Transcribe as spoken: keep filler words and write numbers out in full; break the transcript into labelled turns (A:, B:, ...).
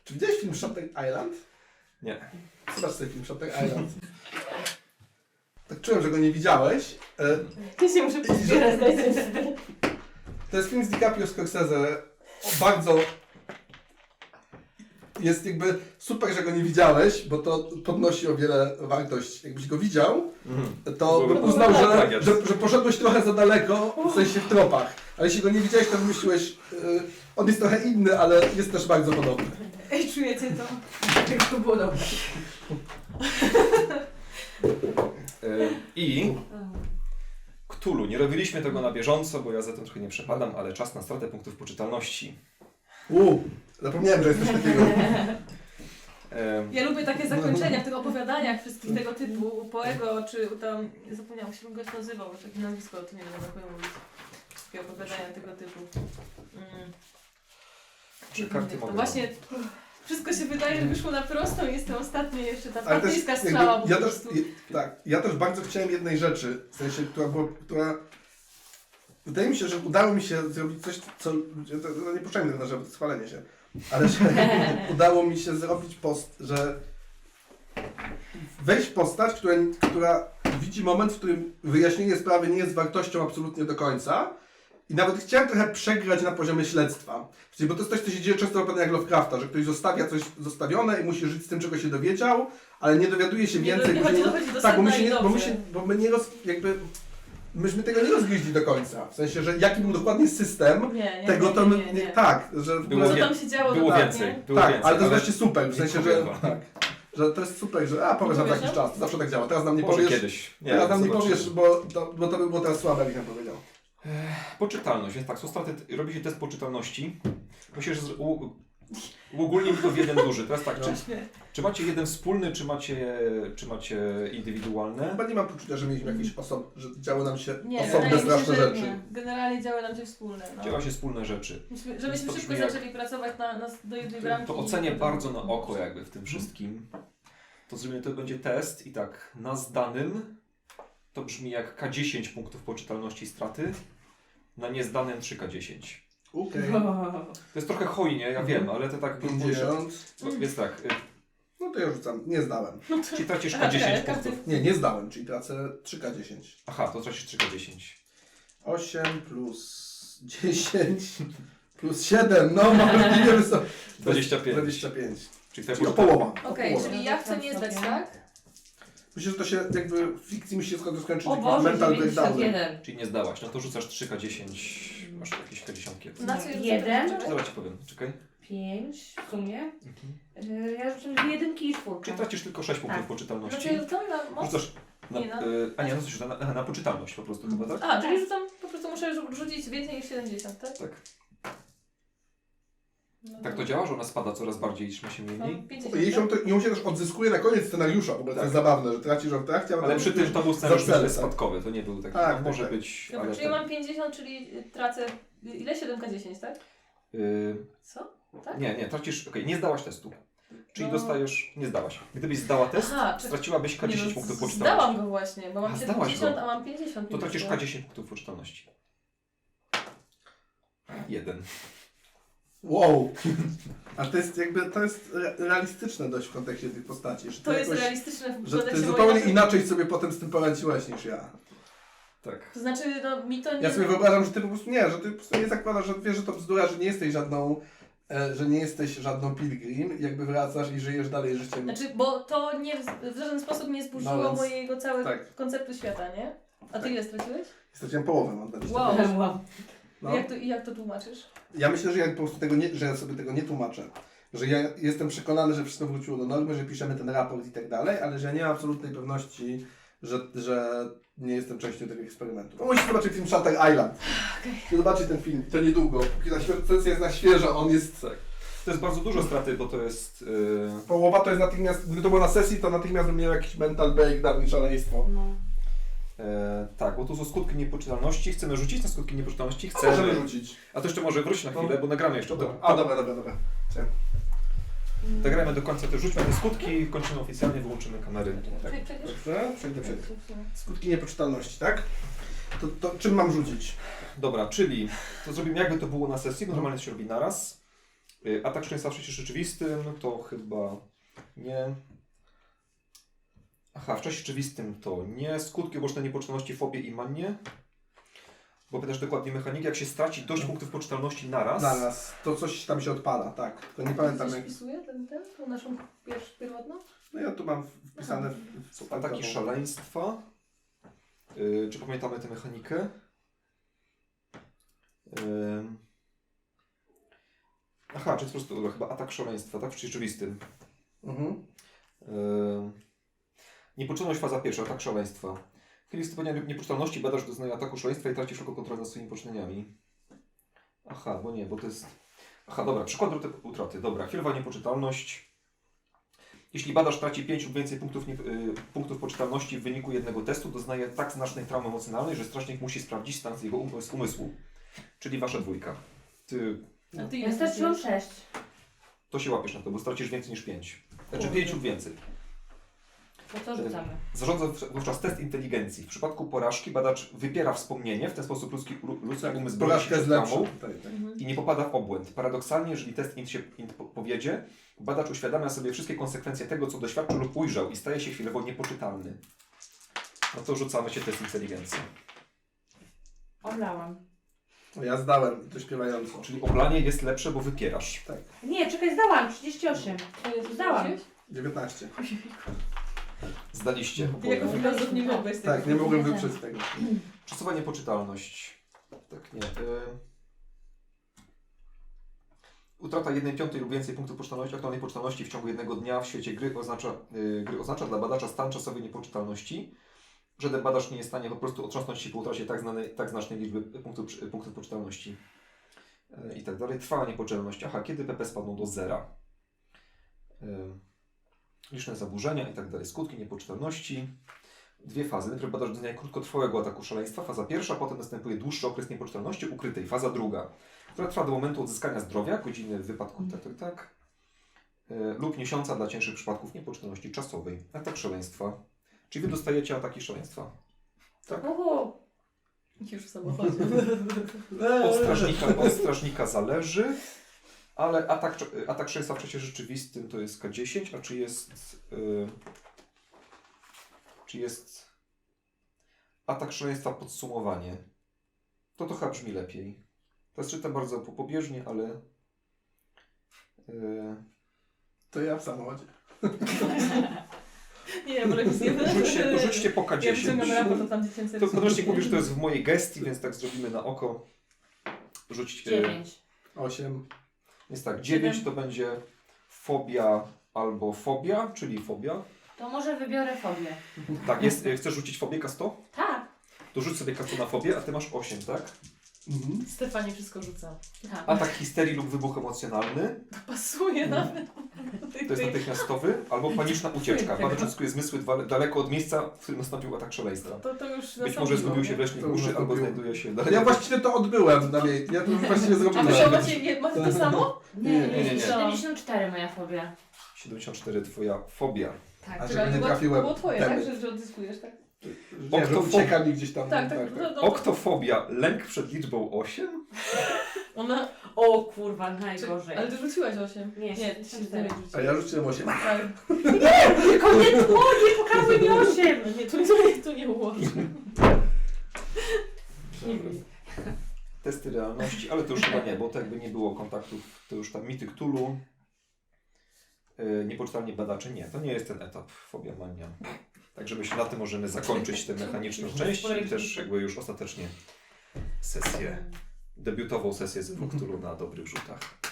A: Czy widziałeś film Shutter Island?
B: Nie.
A: Zobacz sobie film Shutter Island. Tak czułem, że go nie widziałeś. E,
C: Ty się muszę pozbierać.
A: To jest film z DiCaprio Scorsese. Bardzo... Jest jakby super, że go nie widziałeś, bo to podnosi o wiele wartość. Jakbyś go widział,
B: Mhm.
A: to bym
B: Byłby
A: uznał, że,
B: plagiat.
A: że, że poszedłeś trochę za daleko, w sensie w tropach. Ale jeśli go nie widziałeś, to myśliłeś, yy, on jest trochę inny, ale jest też bardzo podobny.
C: Ej, czujecie to? Jak to było dobre.
B: E, I Cthulhu. Nie robiliśmy tego na bieżąco, bo ja za tym trochę nie przepadam, ale czas na stratę punktów poczytalności.
A: Uuu, zapomniałem, że jest coś takiego.
B: E,
C: Ja lubię takie zakończenia w tych opowiadaniach wszystkich tego typu, Poego, czy tam, zapomniałam się, jak go nazywał, bo takie nazwisko, to nie wiem, jak mówić. Wszystkie opowiadania tego typu. Mm.
B: Trzy karty
C: To
B: mogę
C: właśnie wszystko się wydaje, że wyszło na prostą i jestem ostatnia jeszcze ta
A: Ale też
C: partyjska
A: jakby
C: strzała po
A: ja też,
C: prostu.
A: je, tak, ja też bardzo chciałem jednej rzeczy, w sensie, która była, która... Wydaje mi się, że udało mi się zrobić coś, co... To, to nie puszczajmy tego na żeby schwalenie się, ale że udało mi się zrobić post, że wejść w postać, która, która widzi moment, w którym wyjaśnienie sprawy nie jest wartością absolutnie do końca. I nawet chciałem trochę przegrać na poziomie śledztwa. Bo to jest coś, co się dzieje często w opowiadaniach Lovecrafta, że ktoś zostawia coś zostawione i musi żyć z tym, czego się dowiedział, ale nie dowiaduje się
C: Nie
A: więcej.
C: do- nie
A: bo się
C: chodzi- dochodzi do
A: tak, bo my,
C: sedna
A: się
C: i
A: nie, bo my,
C: dobrze.
A: się, bo my nie roz, jakby, myśmy tego nie rozgryźli do końca. W sensie, że jaki był dokładnie system
C: Nie, nie,
A: tego,
C: nie,
A: to
C: nie,
A: my,
C: nie,
A: nie,
C: nie.
A: tak, że w
B: Było
A: ogóle,
C: Co tam się działo
B: Było
C: dokładnie?
B: więcej. Było
A: tak,
B: więcej,
A: ale to jest właśnie super, w
B: nie
A: sensie, że
B: powiem wam.
A: tak, że to jest super, że a powiesz nam za
C: Powiesz
A: jakiś
C: nam?
A: czas, to zawsze tak działa. Teraz nam nie
B: Może
A: powiesz,
B: kiedyś. Nie,
A: teraz nam nie
B: zobaczymy.
A: powiesz, bo to, bo to by było teraz słabe, jakbyś nam powiedział.
B: Poczytalność, więc tak, są straty, robi się test poczytalności. Myślę, że z- u- uogólnimy to w jeden duży. Teraz tak, czy,
C: Śmiech.
B: czy macie jeden wspólny, czy macie, czy macie indywidualne?
A: Chyba nie mam poczucia, że mieliśmy jakieś osob, że działy nam się
C: Nie,
A: osobne,
C: wydaje mi się,
A: straszne
C: że
A: rzeczy.
C: nie. Generalnie działy nam się wspólne. No.
B: Działa się wspólne rzeczy.
C: Myśmy, żebyśmy
B: To
C: szybko
B: brzmi jak-
C: zaczęli pracować na, na, do jednej bramki.
B: To
C: i
B: ocenię
C: potem-
B: bardzo na oko jakby w tym wszystkim. To zrobimy, to będzie test i tak, na zdanym to brzmi jak K dziesięć punktów poczytalności straty, na niezdanym trzy K dziesięć.
A: Okej.
B: To jest trochę hojnie, ja wiem, ale to tak...
A: pięćdziesiąt.
B: No, Więc tak, y,
A: No to ja rzucam. Nie zdałem.
B: czyli tracisz
C: Aha,
B: K dziesięć
C: czekaj,
B: punktów.
C: każdy-
A: Nie, nie zdałem, czyli tracę trzy K dziesięć.
B: Aha, to tracisz trzy K dziesięć.
A: osiem plus dziesięć plus siedem. No, możliwie wysoko.
B: dwadzieścia pięć.
A: dwadzieścia pięć.
B: Czyli twoja
A: Czyli o
B: poczytalność-
A: połowa.
C: Okej,
A: o połowę.
C: czyli ja chcę nie zdać, tak?
A: Myślę, że to się jakby w fikcji musi się skończyć
D: O
A: jakiś
D: Boże,
A: mental breakdown.
D: dziewięćdziesiąt jeden.
B: Czyli nie zdałaś, no to rzucasz trzy K dziesięć, masz jakieś K dziesięć.
C: Na co jest
D: Jeden.
C: zaczynamy?
B: Zaraz ci powiem, czekaj.
D: pięć w sumie.
B: Mhm.
D: Yy, Ja rzucam dwie jedynki i czwórkę.
B: Czyli tracisz tylko sześć punktów
D: Tak.
B: poczytalności.
C: Znaczy rzucam na moc?
B: Rzucasz na,
C: Nie, na-
B: y, a nie, no co się rzuca? Na, aha, na poczytalność po prostu chyba, tak?
C: A, czyli rzucam, po prostu muszę rzu- rzucić więcej niż siedemdziesiąt, tak?
B: Tak.
C: No
B: Tak to działa, że ona spada coraz bardziej, niż ma się mniej.
C: No, pięćdziesiąt,
A: Jej się,
C: tak?
A: to, ją się też odzyskuje na koniec scenariusza, w ogóle to
B: Tak.
A: jest zabawne, że tracisz ją w trakcie,
B: Ale przy tym to był scenariusz
A: Za cel,
B: spadkowy, to nie był taki,
A: Tak,
B: no,
A: tak,
B: może
A: tak.
B: być,
C: Dobra,
B: ale
C: czyli
B: ten,
C: mam pięćdziesiąt, czyli y, tracę... Ile? siedem K dziesięć, tak?
B: y,
C: Co? Tak?
B: nie, nie, tracisz, okej, nie zdałaś testu. Czyli
C: No.
B: dostajesz, nie zdałaś. Gdybyś zdała test,
C: Aha, czy-
B: straciłabyś K
C: Nie,
B: dziesięć
C: no,
B: punktów
C: z-
B: poczytalności.
C: Zdałam go właśnie, bo mam
B: A, zdałaś
C: siedemdziesiąt,
B: go.
C: a mam pięćdziesiąt.
B: To tracisz
C: minus,
B: K dziesięć punktów poczytalności. Jeden.
A: Wow. A to jest jakby, to jest re- realistyczne dość w kontekście tych postaci. Że
C: To jest
A: jakoś,
C: realistyczne w
A: że ty
C: kontekście
A: zupełnie
C: mojego-
A: inaczej sobie potem z tym poradziłeś niż ja.
B: Tak.
C: To znaczy, no mi to nie...
A: Ja sobie wyobrażam, że ty po prostu nie, że ty po prostu nie zakładasz, że wiesz, że to bzdura, że nie jesteś żadną, e, że nie jesteś żadną pilgrim, jakby wracasz i żyjesz dalej życiem.
C: Znaczy, bo to nie, w żaden sposób nie zburzyło
A: No więc-
C: mojego całego
A: tak.
C: konceptu świata, nie? A ty
A: Tak.
C: ile straciłeś?
A: Straciłem połowę, mam dwadzieścia
C: Wow.
A: pięć.
D: Wow.
A: No.
C: Jak, to, I jak to tłumaczysz?
A: Ja myślę, że ja po prostu tego nie, że ja sobie tego nie tłumaczę. Że ja jestem przekonany, że wszystko wróciło do normy, że piszemy ten raport i tak dalej, ale że nie mam absolutnej pewności, że, że nie jestem częścią tego eksperymentu. No, musisz zobaczyć film Shutter Island. Okay. Zobaczyć ten film, to niedługo. Póki ta świe- sesja jest na świeżo, on jest...
B: Tak. To jest bardzo dużo straty, bo to jest... Yy...
A: Połowa to jest natychmiast, gdyby to było na sesji, to natychmiast bym miał jakiś mental breakdown i szaleństwo.
D: No.
B: E, tak, bo tu są skutki niepoczytalności. Chcemy rzucić na skutki niepoczytalności?
A: A
B: Chcemy.
A: możemy rzucić.
B: A to jeszcze może wróć na
A: No.
B: chwilę, bo nagramy jeszcze.
A: Dobra.
B: To,
A: A dobra, dobra, dobra. Chciałem.
B: nagramy do końca, to rzućmy te skutki, kończymy oficjalnie, wyłączymy kamery. Tak.
C: Prze- przecież-
A: Dobrze, przejdę, przejdę. Skutki niepoczytalności, tak? To, to czym mam rzucić?
B: Dobra, czyli to zrobimy jakby to było na sesji, bo normalnie to się robi naraz. Y, Atak szaleństwa w czasie rzeczywistym to chyba nie. Aha, w czasie rzeczywistym to nie. Skutki uboczne niepoczytalności, fobie i manie. Bo pytasz dokładnie mechaniki, jak się straci dość punktów poczytalności naraz.
A: Zaraz, to coś tam się odpala, tak. Tylko nie pamiętam
C: Coś
A: jak...
C: wpisuje ten, ten, tą naszą pierwszą, pierwotną?
A: No ja tu mam wpisane w, w
B: Są ataki szaleństwa. Yy, czy pamiętamy tę mechanikę? Yy. Aha, czy to po prostu dobra, chyba atak szaleństwa, tak? W rzeczywistym.
A: Mhm.
B: Yy. Niepoczytalność faza pierwsza, atak szaleństwa. W chwili wystąpienia niepoczytalności badacz doznaje ataku szaleństwa i traci wszelką kontrolę nad swoimi poczynieniami. Aha, bo nie, bo to jest... Aha, dobra, przykład utraty- utraty. Dobra, chwilowa niepoczytalność. Jeśli badacz traci pięć lub więcej punktów, nie, y, punktów poczytalności w wyniku jednego testu, doznaje tak znacznej traumy emocjonalnej, że strażnik musi sprawdzić stan jego um- z umysłu. Czyli wasza dwójka. Ty,
C: A ty
D: Ja
C: ile
D: straciłam
C: straciłeś?
D: sześć.
B: to się łapiesz na to, bo stracisz więcej niż pięć. Znaczy
C: Kurde.
B: pięć lub więcej.
D: To co rzucamy?
B: Zarządza w- wówczas test inteligencji. W przypadku porażki badacz wypiera wspomnienie, w ten sposób ludzki, ludzki
A: Tak,
B: umysł broni się
A: porażka jest
B: przed
A: lepsza.
B: traumą
A: Tak, tak.
C: Mhm.
B: i nie popada w obłęd. Paradoksalnie, jeżeli test int się int po- powiedzie, badacz uświadamia sobie wszystkie konsekwencje tego, co doświadczył lub ujrzał i staje się chwilowo niepoczytalny. No to rzucamy się test inteligencji.
D: Oblałam.
A: Ja zdałem, to śpiewająco.
B: Czyli oblanie jest lepsze, bo wypierasz.
A: Tak,
D: Nie, czekaj, zdałam. trzydzieści osiem.
C: To jest
D: Zdałam.
A: dziewiętnaście.
B: Zdaliście
C: Ty jako
B: oboje.
C: filozof nie mogłeś tego.
A: Tak, nie mogłem wyprzeć tego.
B: Czasowa niepoczytalność. Tak, nie. Y... Utrata jednej piątej lub więcej punktów poczytalności, aktualnej poczytalności w ciągu jednego dnia w świecie gry oznacza, y, gry oznacza dla badacza stan czasowej niepoczytalności. Żaden badacz nie jest w stanie po prostu otrząsnąć się po utracie tak, znanej, tak znacznej liczby punktów, przy- punktów poczytalności. Y, I tak dalej. Trwała niepoczytalność. Aha, kiedy P P spadną do zera. Y, liczne zaburzenia i tak dalej. Skutki niepoczytalności. Dwie fazy. Najpierw badacz doznaje krótkotrwałego ataku szaleństwa. Faza pierwsza, potem następuje dłuższy okres niepoczytalności ukrytej. Faza druga, która trwa do momentu odzyskania zdrowia, godziny w wypadku tak, tak, tak, yy, lub miesiąca dla cięższych przypadków niepoczytalności czasowej. Atak szaleństwa. Czyli wy dostajecie ataki szaleństwa.
D: Uhu.
C: Już w samochodzie.
B: Od strażnika, od strażnika zależy, ale atak, atak szaleństwa w czasie rzeczywistym to jest K dziesięć, a czy jest... Yy, czy jest atak szaleństwa podsumowanie? To to chyba brzmi lepiej. Teraz czytam bardzo po- pobieżnie, ale... Yy,
A: To ja w samochodzie.
C: Nie, ja wolę nic nie
B: rzućcie, to rzućcie po K
C: Ja
B: dziesięć.
C: wyciągam raport, to tam dziecięce
B: To
C: rysunki.
B: podręcznik mówi, że to jest w mojej gestii, więc tak zrobimy na oko. Rzuć... Yy,
D: dziewięć.
A: osiem.
B: jest tak, dziewięć to będzie fobia albo fobia, czyli fobia.
D: To może wybiorę fobię.
B: Tak, jest, yy, chcesz rzucić fobię K sto?
D: Tak.
B: To rzuć sobie K sto na fobię, a ty masz osiem, tak?
A: Mhm.
C: Stefanie wszystko rzuca.
D: tak.
B: Atak histerii lub wybuch emocjonalny,
C: Pasuje nawet.
B: to jest natychmiastowy, albo paniczna ucieczka.
C: Tego.
B: Badacz odzyskuje zmysły dwa- daleko od miejsca, w którym nastąpił atak szaleństwa.
C: To, to już
B: Być może zgubił się w leśnej
A: To już
B: uszy, albo
A: nastąpiło.
B: znajduje się daleko.
A: Ja właściwie to odbyłem na mie- Ja to już właściwie
C: A
A: zrobiłem.
C: wy macie, nie, macie to samo?
D: Nie,
A: Nie,
D: nie,
B: nie, nie.
D: siedemdziesiąt cztery moja fobia.
B: siedemdziesiąt cztery twoja fobia.
D: Tak.
A: A
C: Czekaj,
A: żeby nie
C: to było-
A: trafiłem
C: To było twoje,
A: temy.
C: tak? Że, że odzyskujesz, tak?
A: Nie, że ucieka mi gdzieś tam.
C: Tak, tak. No, no,
B: Oktofobia, lęk przed liczbą osiem?
C: Ona...
D: O kurwa,
C: Czy,
D: najgorzej.
C: ale ty rzuciłaś osiem.
D: Nie,
C: nie,
D: siedemdziesiąt cztery.
A: A ja rzuciłem osiem.
C: Tak.
D: Tylko nie tu, nie pokazuj mi osiem.
C: Nie, tu, tu, tu nie ułożę. Nie wiem.
B: Testy realności, ale to już chyba nie, bo to jakby nie było kontaktów, to już tam mity Cthulhu. Yy, niepoczytalnie badacze, nie, to nie jest ten etap fobia mania. Także myślę, na tym możemy zakończyć tę mechaniczną część i też jakby już ostatecznie sesję, debiutową sesję z Cthulhu na dobrych rzutach.